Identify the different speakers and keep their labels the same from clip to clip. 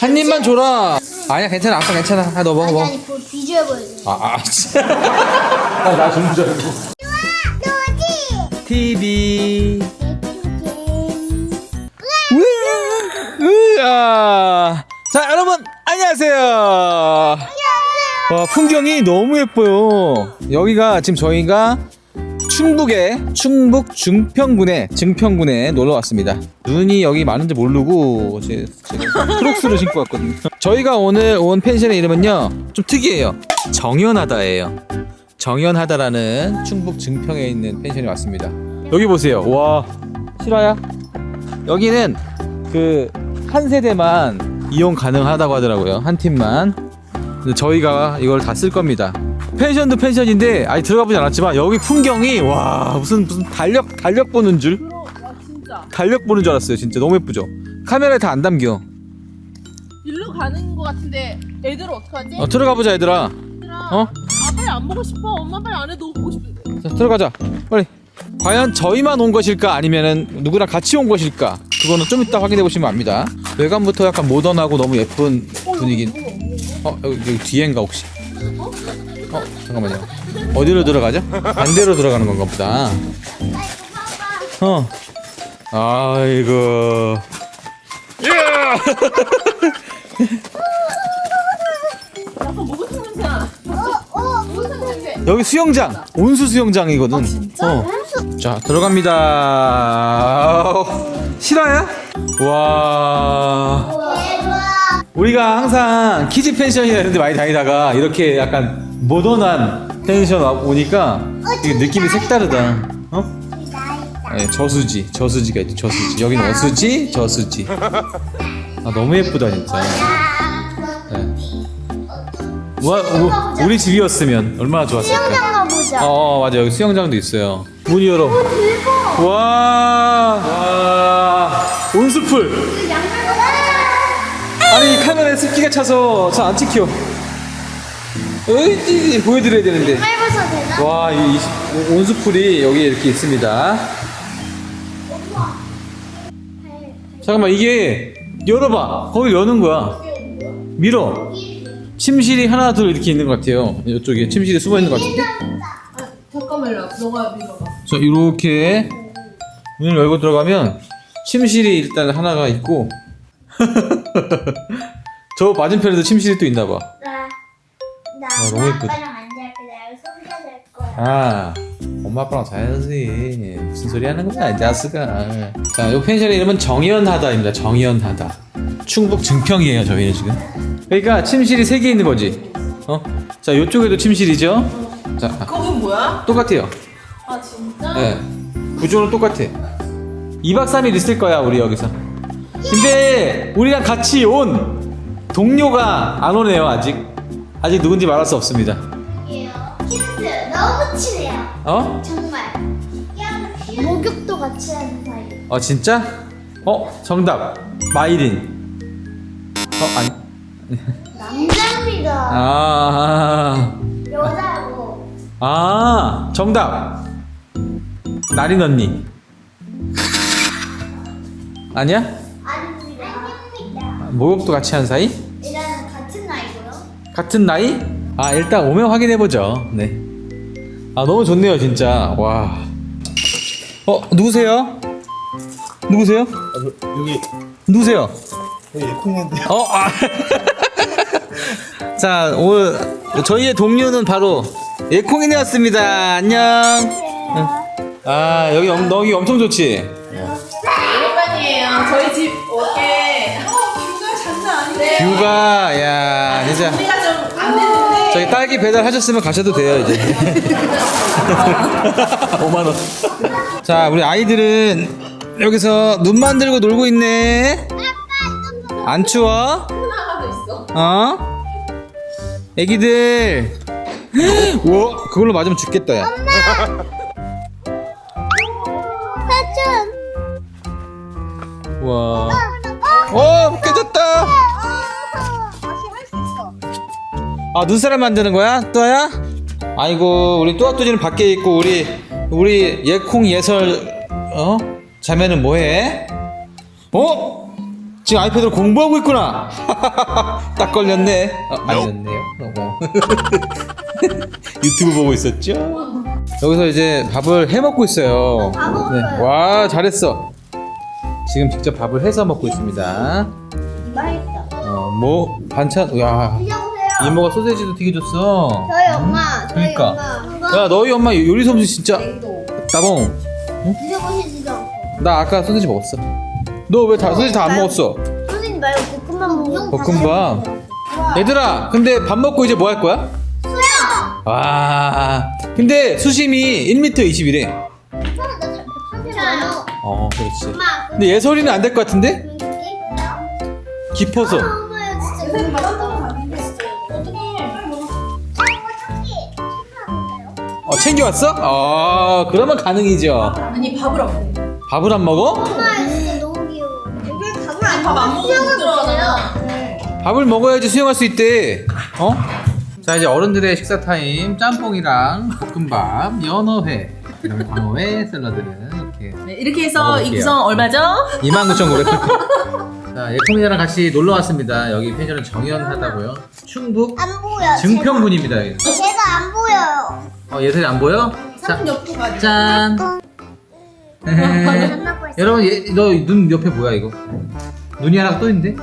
Speaker 1: 한 입만 줘라. 아니야, 괜찮아. 아빠 괜찮아. 아, 너 먹어.
Speaker 2: 아니 비주얼 보여줘.
Speaker 1: 진짜. 나 주는 줄 알고.
Speaker 2: 노지.
Speaker 1: TV. 으아. 자, 여러분 안녕하세요. 와, 풍경이 너무 예뻐요. 여기가 지금 저희가 충북 증평군에 놀러 왔습니다. 눈이 여기 많은지 모르고 제가 크록스를 신고 왔거든요. 저희가 오늘 온 펜션의 이름은요, 좀 특이해요. 정연하다예요. 정연하다라는 충북 증평에 있는 펜션에 왔습니다. 여기 보세요. 와, 실화야? 여기는 그 한 세대만 이용 가능하다고 하더라고요. 한 팀만. 근데 저희가 이걸 다 쓸 겁니다. 펜션도 펜션인데 아직 들어가보지 않았지만 여기 풍경이 와, 무슨 달력 보는 줄?
Speaker 3: 진짜
Speaker 1: 달력 보는 줄 알았어요. 진짜 너무 예쁘죠? 카메라에 다 안 담겨.
Speaker 3: 일로 가는 거 같은데 애들 어떡하지?
Speaker 1: 들어가보자 얘들아.
Speaker 3: 얘들아,
Speaker 1: 어?
Speaker 3: 빨리 안 보고 싶어. 엄마 빨리 안 해도 보고 싶은데.
Speaker 1: 자, 들어가자 빨리. 과연 저희만 온 것일까 아니면은 누구랑 같이 온 것일까, 그거는 좀 이따 확인해 보시면 압니다. 외관부터 약간 모던하고 너무 예쁜 분위기. 여기 뒤엔가 혹시? 잠깐만요. 어디로 들어가죠? 반대로 들어가는 건가 보다. 아이고.
Speaker 3: 약간 목욕탕 냄새나. 목욕탕 냄새.
Speaker 1: 여기 수영장, 온수 수영장이거든.
Speaker 3: 진짜?
Speaker 1: 자, 들어갑니다. 실화야? 와. 우리가 항상 키즈 펜션이라는 데 많이 다니다가 이렇게 약간 모던한 펜션 오니까 이게 느낌이 색다르다. 네, 저수지가 있지. 저수지. 여기는 어수지, 저수지. 너무 예쁘다 진짜. 네. 우리 집이었으면 얼마나 좋았을까.
Speaker 2: 수영장 가보자.
Speaker 1: 맞아. 여기 수영장도 있어요. 문 열어. 와, 온수풀. 아니, 이 카메라에 습기가 차서 잘 안 찍혀. 어이, 보여드려야 되는데.
Speaker 2: 짧아서 되나?
Speaker 1: 와, 이 온수풀이 여기 이렇게 있습니다. 잠깐만, 이게 열어봐. 거기 여는 거야. 밀어. 침실이 하나 둘 이렇게 있는 것 같아요. 이쪽에 침실이 숨어 있는 것 같은데.
Speaker 3: 잠깐만요. 너가 밀어봐.
Speaker 1: 자, 이렇게 문을 열고 들어가면 침실이 일단 하나가 있고 저 맞은편에도 침실이 또 있나 봐.
Speaker 2: 나
Speaker 1: 너무 예쁘다.
Speaker 2: 아빠랑 안 잘게 나 여기서 혼자 잘 거야.
Speaker 1: 엄마 아빠랑 자야지. 무슨 소리 하는 거야 이 자식아. 자, 이 펜션의 이름은 정연하다입니다. 정연하다. 충북 증평이에요 저희는 지금. 그러니까 침실이 3개 있는 거지. 자, 이쪽에도 침실이죠. 자,
Speaker 3: 거긴 뭐야?
Speaker 1: 똑같아요.
Speaker 3: 아 진짜?
Speaker 1: 네, 구조는 똑같아. 2박 3일 있을 거야 우리 여기서. 근데 우리랑 같이 온 동료가 안 오네요. 아직 누군지 말할 수 없습니다.
Speaker 2: 힌트 너무 친해요. 정말. 목욕도 같이 하는 사이.
Speaker 1: 진짜? 정답. 마이린. 아니.
Speaker 2: 남자입니다. 여자고.
Speaker 1: 정답. 나린 언니. 아니야?
Speaker 2: 아닙니다.
Speaker 1: 목욕도 같이 한 사이?
Speaker 2: 일단은 같은 나이고요.
Speaker 1: 같은 나이? 일단 오면 확인해보죠. 네. 너무 좋네요 진짜. 와. 누구세요?
Speaker 4: 여기
Speaker 1: 누구세요?
Speaker 4: 콩인데요.
Speaker 1: 자, 오늘 저희의 동료는 바로 예콩이네였습니다. 안녕. 여기 여기 엄청 좋지?
Speaker 3: 오랜만이에요. 저희 집 오게. 뷰가 장난 아닌데.
Speaker 1: 뷰가, 야, 진짜.
Speaker 3: 우리가 좀 안 됐는데.
Speaker 1: 저희 딸기 배달하셨으면 가셔도 돼요 이제. 5만원. 자, 우리 아이들은 여기서 눈 만들고 놀고 있네. 안 추워?
Speaker 3: 하나가 더 있어.
Speaker 1: 애기들. 우와, 그걸로 맞으면 죽겠다 야.
Speaker 2: 사촌.
Speaker 1: 와. 깨졌다.
Speaker 2: 다시 할 수 있어.
Speaker 1: 눈사람 만드는 거야? 또야? 아이고, 우리 또아뚜지는 밖에 있고 우리 예콩 예설 자매는 뭐해? 지금 아이패드로 공부하고 있구나. 딱 걸렸네. 아니었네요. 유튜브 보고 있었죠? 여기서 이제 밥을 해 먹고 있어요.
Speaker 2: 다 먹었어요.
Speaker 1: 와, 잘했어. 지금 직접 밥을 해서 먹고 있습니다.
Speaker 2: 맛있다.
Speaker 1: 뭐 반찬? 야,
Speaker 2: 드셔보세요.
Speaker 1: 이모가 소세지도 튀겨줬어.
Speaker 2: 저희 엄마. 저희
Speaker 1: 그러니까.
Speaker 2: 엄마.
Speaker 1: 야, 너희 엄마 요리 솜씨 진짜
Speaker 2: 냉동.
Speaker 1: 따봉.
Speaker 2: 드셔보시지도 않고.
Speaker 1: 나 아까 소세지 먹었어. 너 왜 다 소세지 다 안 먹었어?
Speaker 2: 소세지 말고 볶음밥 먹고.
Speaker 1: 볶음밥. 얘들아, 근데 밥 먹고 이제 뭐 할 거야?
Speaker 2: 수영.
Speaker 1: 와, 근데 수심이 1m 20이래.
Speaker 2: 저요.
Speaker 1: 그렇지.
Speaker 2: 엄마.
Speaker 1: 근데 예설이는 안 될 것 같은데? 깊어서.
Speaker 2: 엄마야 진짜.
Speaker 3: 선생님 바닷가로 가는데
Speaker 1: 챙겨왔어? 그러면 가능이죠.
Speaker 3: 아니 밥을 안 먹어.
Speaker 1: 밥을 안 먹어?
Speaker 2: 엄마 진짜 너무 귀여워. 이걸 밥을 안
Speaker 3: 밥 안 먹으면 못 들어가잖아.
Speaker 1: 밥을 먹어야지 수영할 수 있대. 자, 이제 어른들의 식사 타임. 짬뽕이랑 볶음밥, 연어회, 그다음에 광어회, 샐러드는 이렇게
Speaker 3: 네, 이렇게 해서
Speaker 1: 먹어볼게요.
Speaker 3: 이 구성 얼마죠?
Speaker 1: 29,900원. 자, 예콩이랑 같이 놀러 왔습니다. 여기 펜션은 정연하다고요. 충북
Speaker 2: 안 보여.
Speaker 1: 증평군입니다. 여기.
Speaker 2: 제가 안 보여요.
Speaker 1: 예설이 안 보여? 자,
Speaker 3: 산 옆으로 가지.
Speaker 1: 짠.
Speaker 2: 만나고 있어.
Speaker 1: 여러분, 너 눈 옆에 뭐야 이거? 눈이 하나 또 있는데?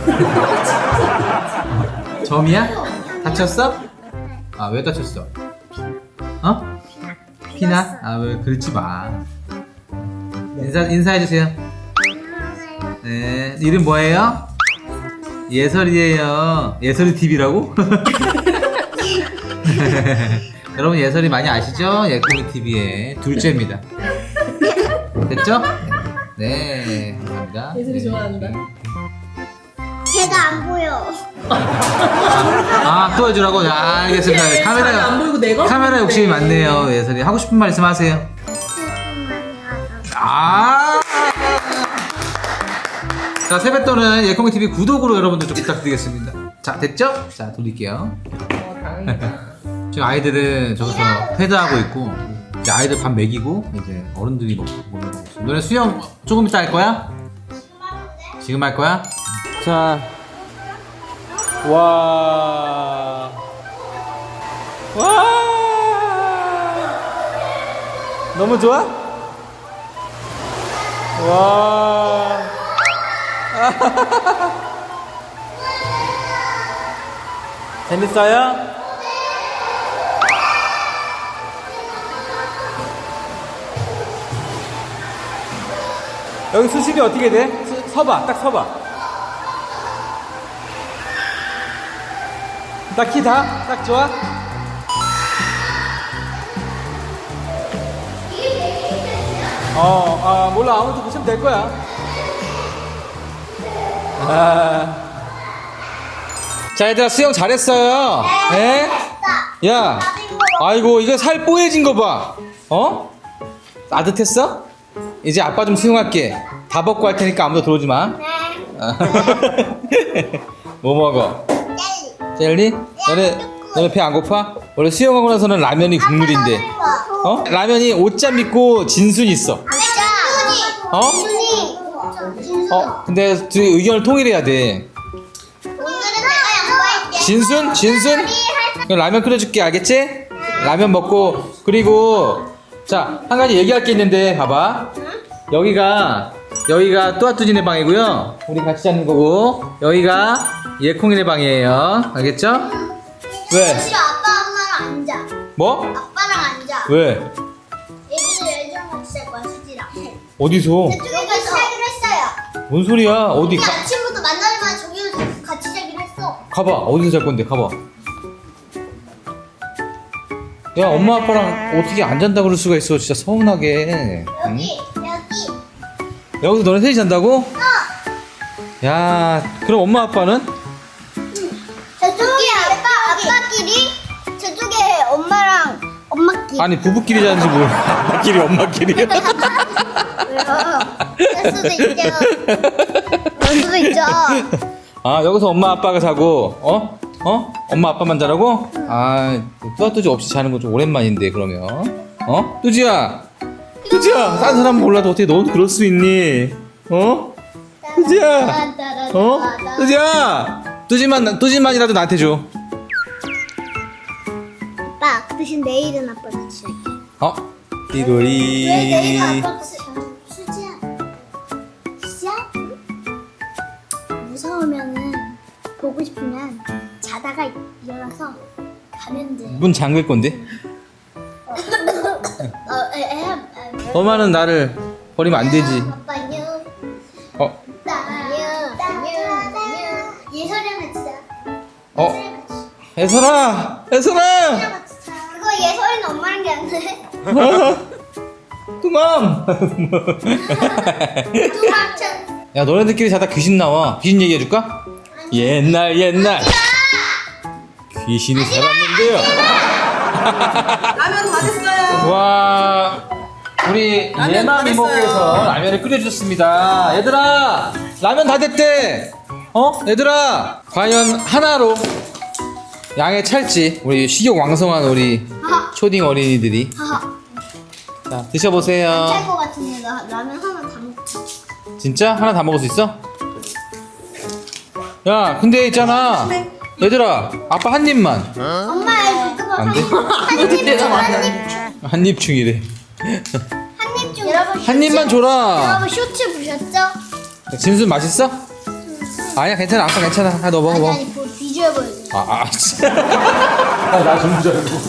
Speaker 1: 점이야? 다쳤어? 왜 다쳤어? 피나? 왜 그러지 마. 인사해주세요. 네, 이름 뭐예요? 예설이에요. 예설이 TV라고? 여러분, 예설이 많이 아시죠? 예콩이 TV의 둘째입니다. 됐죠? 네, 감사합니다.
Speaker 3: 예설이 좋아한다.
Speaker 2: 제가 안 보여.
Speaker 1: 또 해주라고? 알겠습니다.
Speaker 3: 잘안
Speaker 1: 카메라,
Speaker 3: 보이고 내가
Speaker 1: 카메라
Speaker 3: 보이는데.
Speaker 1: 욕심이 많네요. 예설이. 하고 싶은 말씀 하세요. 자, 세뱃돈은 예콩이 TV 구독으로 여러분들 좀 부탁드리겠습니다. 자, 됐죠? 자, 돌릴게요.
Speaker 3: 당연히다.
Speaker 1: 지금 아이들은 저기서 패드하고 있고, 이제 아이들 밥 먹이고, 이제 어른들이 먹고 있습니다. 너네 수영 조금 이따 할 거야? 지금 할 거야? 자, 와, 너무 좋아? 와, 재밌어요? 여기 수심이 어떻게 돼? 서봐, 딱 서봐. 딱 키 다? 딱 좋아? 몰라. 아무튼 붙이면 될 거야. 자, 얘들아, 수영 잘했어요. 네? 야, 아이고, 이거 살 뽀얘진 거 봐. 따뜻했어? 이제 아빠 좀 수영할게. 다 벗고 할 테니까 아무도 들어오지 마.
Speaker 2: 네.
Speaker 1: 뭐 먹어? 젤리? 너네 배 안 고파? 원래 수영하고 나서는 라면이 국물인데. 라면이 옷잠 입고 진순 있어.
Speaker 2: 준이.
Speaker 1: 근데 둘이 의견을 통일해야 돼.
Speaker 2: 오늘은 내가 양보할게.
Speaker 1: 진순? 그럼 라면 끓여줄게, 알겠지? 라면 먹고. 그리고 자, 한 가지 얘기할 게 있는데 봐봐. 여기가 또아뚜지네 방이고요. 우리 같이 자는 거고, 여기가 예콩이네 방이에요. 알겠죠? 왜?
Speaker 2: 싫어. 아빠 엄마랑 앉아.
Speaker 1: 뭐?
Speaker 2: 아빠랑 앉아.
Speaker 1: 왜?
Speaker 2: 얘기를 애들랑 같이 잘 거야, 수지랑.
Speaker 1: 어디서?
Speaker 2: 저기서 하기로 했어요.
Speaker 1: 뭔 소리야? 어디
Speaker 2: 우리 아침부터 만나자마자 저기서 같이 자기로 했어.
Speaker 1: 가봐. 어디서 잘 건데? 가봐. 야, 엄마 아빠랑 어떻게 안 잔다 그럴 수가 있어? 진짜 서운하게. 응?
Speaker 2: 여기.
Speaker 1: 여기서 너네 셋이 잔다고? 야, 그럼 엄마 아빠는?
Speaker 2: 저쪽에 아빠끼리, 저쪽에 엄마랑 엄마끼리.
Speaker 1: 아니, 부부끼리 자는지 몰라. 아빠끼리 엄마끼리.
Speaker 2: 그럴 수도 있죠. 그럴 수도 있죠.
Speaker 1: 여기서 엄마 아빠가 자고, 엄마 아빠만 자라고? 뚜아뚜지 없이 자는 건 좀 오랜만인데, 그러면. 뚜지야! 뚜지야! 딴 사람 몰라도 어떻게 너도 그럴 수 있니? 뚜지야! 어? 뚜지야! 뚜지만이라도 나한테 줘.
Speaker 2: 아빠 그 대신 내일은 아빠 같이 할게.
Speaker 1: 어?
Speaker 2: 왜 내일은
Speaker 1: 띠로리.
Speaker 2: 아빠 같이 수지야. 수지야? 무서우면은 보고 싶으면 자다가 일어나서 가면 돼.
Speaker 1: 문 잠글 건데? 엄마는 나를 버리면 안 되지.
Speaker 2: 아빠 안녕.
Speaker 1: 어?
Speaker 2: 안녕. 예설이랑 같이 자.
Speaker 1: 어? 애설아! 애설아!
Speaker 2: 그거 예설이는 엄마랑 게 안 돼.
Speaker 1: 뚜맘!
Speaker 2: 두망천.
Speaker 1: 야, 너네들끼리 자다 귀신 나와. 귀신 얘기해줄까? 옛날 귀신이 살았는데요.
Speaker 3: 라면 다 됐어요.
Speaker 1: 와, 우리
Speaker 3: 라면
Speaker 1: 예마
Speaker 3: 다
Speaker 1: 미모께서
Speaker 3: 됐어요.
Speaker 1: 라면을 끓여주셨습니다. 얘들아, 라면 다 됐대. 어? 얘들아, 과연 하나로 양에 찰지. 우리 식욕 왕성한 우리 초딩 어린이들이.
Speaker 2: 하하.
Speaker 1: 자, 드셔보세요.
Speaker 2: 짤것 같은데 나 라면 하나 다 먹자.
Speaker 1: 진짜? 하나 다 먹을 수 있어? 야, 근데 있잖아. 얘들아, 아빠 한 입만.
Speaker 2: 엄마 그거
Speaker 1: 안 돼? 한 입 중이래.
Speaker 2: 한입 중. 여러분
Speaker 1: 한 입만 줘라.
Speaker 2: 여러분 쇼츠 보셨죠?
Speaker 1: 진수 맛있어? 아니야, 괜찮아. 아빠 괜찮아. 아, 너 먹어,
Speaker 2: 아니
Speaker 1: 먹어.
Speaker 2: 아니 그 비주얼 보여줘.
Speaker 1: 진짜. 나좀 줄 알고.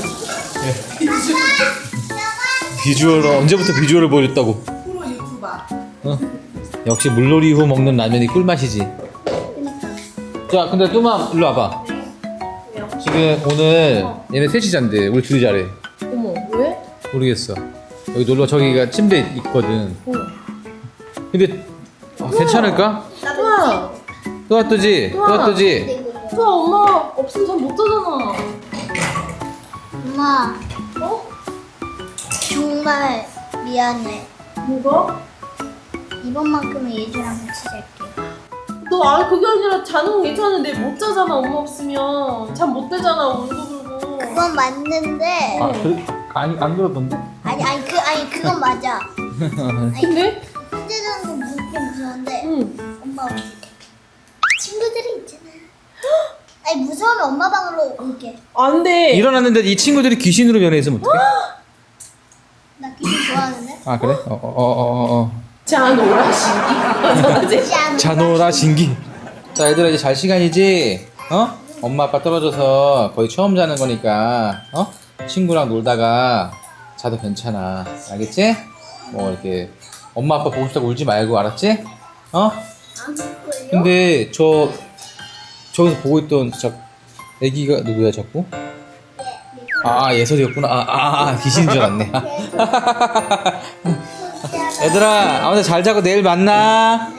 Speaker 1: 비주얼을 언제부터 비주얼을 보여줬다고?
Speaker 3: 프로 유튜버.
Speaker 1: 어? 역시 물놀이 후 먹는 라면이 꿀맛이지.
Speaker 2: 그러니까.
Speaker 1: 자, 근데 뚜맘 일로 와봐. 지금 오늘 얘네 셋이 잔대. 우리 둘이 자래.
Speaker 3: 어머 왜?
Speaker 1: 모르겠어. 여기 놀러 저기가 침대 있거든. 근데 괜찮을까?
Speaker 3: 우와.
Speaker 1: 또 뚜지? 또 뚜지?
Speaker 3: 우와 엄마 없으면 잠 못 자잖아.
Speaker 2: 엄마
Speaker 3: 어?
Speaker 2: 정말 미안해.
Speaker 3: 뭐가?
Speaker 2: 이번만큼은 예주랑 같이 잘게.
Speaker 3: 너 아니 그게 아니라 자는 건 괜찮은데 못 자잖아 엄마 없으면 잠 못 자잖아 울고불고.
Speaker 2: 그건 맞는데
Speaker 1: 안 그러던데?
Speaker 2: 아니 그건 맞아.
Speaker 3: 근데?
Speaker 2: 혼자 자는 건 좀 무서운데
Speaker 3: 응.
Speaker 2: 엄마 우리 친구들이 있잖아. 아니 무서우면 엄마 방으로 올게.
Speaker 3: 안돼.
Speaker 1: 일어났는데 이 친구들이 귀신으로 변해있으면 어떡해?
Speaker 2: 나 귀신 좋아하는데.
Speaker 1: 아, 그래?
Speaker 3: 자노라 신기.
Speaker 1: 자노라 신기. 자, 얘들아 이제 잘 시간이지? 어? 엄마 아빠 떨어져서 거의 처음 자는 거니까 어? 친구랑 놀다가 자도 괜찮아. 알겠지? 뭐 이렇게 엄마 아빠 보고 싶다고 울지 말고, 알았지? 어?
Speaker 2: 안 볼걸요?
Speaker 1: 근데 저기서 보고 있던 저 애기가 누구야 자꾸? 예설이었구나. 귀신인 줄 알았네. 얘들아, 아무튼 잘 자고 내일 만나.